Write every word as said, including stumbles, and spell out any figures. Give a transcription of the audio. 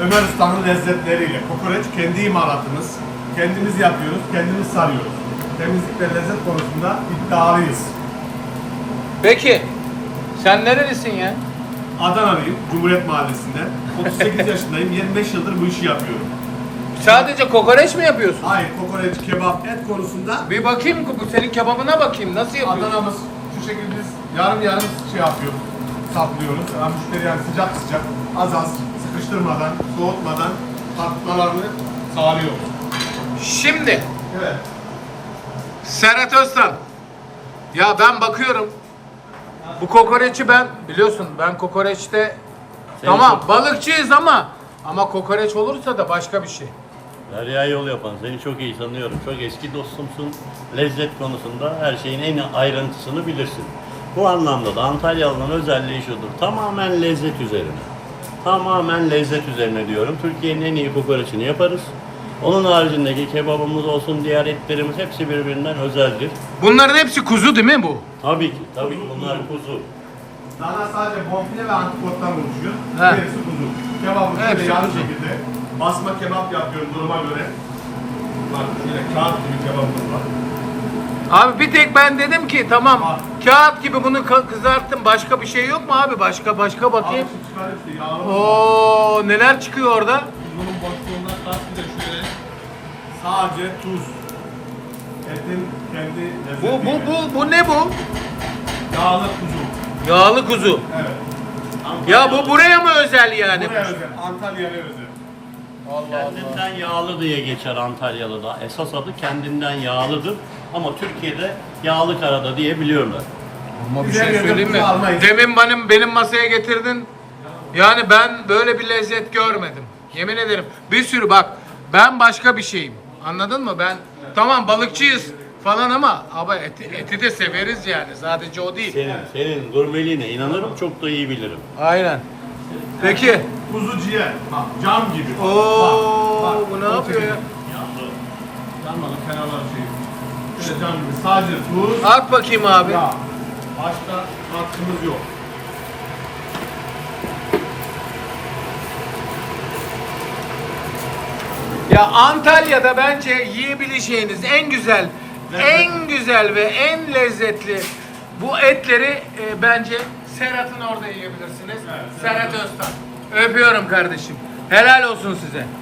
Ömer Usta'nın lezzetleriyle. Kokoreç kendi imalatımız. Kendimiz yapıyoruz, kendimiz sarıyoruz. Temizlik ve lezzet konusunda iddialıyız. Peki, sen nerelisin ya? Adanalıyım, Cumhuriyet Mahallesi'nde. otuz sekiz yaşındayım, yirmi beş yıldır bu işi yapıyorum. Sadece kokoreç mi yapıyorsun? Hayır, kokoreç, kebap, et konusunda Bir bakayım, bu senin kebabına bakayım. Nasıl yapıyorsun? Adana'mız şu şekilde biz yarım yarım şey yapıyoruz, saplıyoruz. Yani müşteri yani sıcak sıcak, az az, sıkıştırmadan, soğutmadan tatmalarını sağlıyoruz. Şimdi, Evet. Serhat Öztan. Ya ben bakıyorum. Bu kokoreçi ben, biliyorsun ben kokoreçte Seni tamam çok- balıkçıyız ama ama kokoreç olursa da başka bir şey. Derya yol yapan, seni çok iyi tanıyorum. Çok eski dostumsun. Lezzet konusunda her şeyin en ayrıntısını bilirsin. Bu anlamda da Antalyalı'nın özelliği şudur. Tamamen lezzet üzerine. Tamamen lezzet üzerine diyorum. Türkiye'nin en iyi kokoreçini yaparız. Onun haricindeki kebabımız olsun, diğer etlerimiz hepsi birbirinden özeldir. Bunların hepsi kuzu değil mi bu? Tabii ki, tabii ki bunlar kuzu. Dana sadece bonfile ve antrikottan oluşuyor. He. Hepsi kuzu. Kebabı Hepsi şöyle yarı kuzu. şekilde. Basma kebap yapıyorum duruma göre. Bak şöyle kağıt gibi kebabımız var. Abi bir tek ben dedim ki tamam Var. kağıt gibi bunu ka- kızarttım, başka bir şey yok mu abi? Başka başka bakayım. Abi şu çıkar işte yağlı. Oo neler çıkıyor orada? Bunun boşluğundan kastı da şöyle. Sadece tuz. Etin kendi Bu lezzetiyle. bu bu bu ne bu? Yağlı kuzu. Yağlı kuzu. Evet. Ya bu buraya mı özel yani? Buraya özel. Antalya'ya özel. Allah Kendinden yağlı diye geçer Antalyalı'da. Esas adı kendinden yağlıdır. Ama Türkiye'de yağlı karada diye biliyorlar. Ama bir Güzel şey yerden söyleyeyim mi? kuzu almayız. Demin benim benim masaya getirdin. Yani ben böyle bir lezzet görmedim. Yemin ederim. Bir sürü bak. Ben başka bir şeyim. Anladın mı? Ben tamam balıkçıyız falan ama ama eti, eti de severiz yani. Sadece o değil. Senin, senin gurmeliğine inanırım, çok da iyi bilirim. Aynen. Peki. Kuzu ciğer. Bak cam gibi. Oo, bu ne o yapıyor ya? şekilde. Yanmadı kenarlar şey. Şöyle cam gibi. Sadece tuz. At bakayım abi. Ya. Başka katkımız yok. Ya Antalya'da bence yiyebileceğiniz en güzel, Lezzet. en güzel ve en lezzetli bu etleri e, bence Serhat'ın orada yiyebilirsiniz. Evet, Serhat Öztan. Öpüyorum kardeşim. Helal olsun size.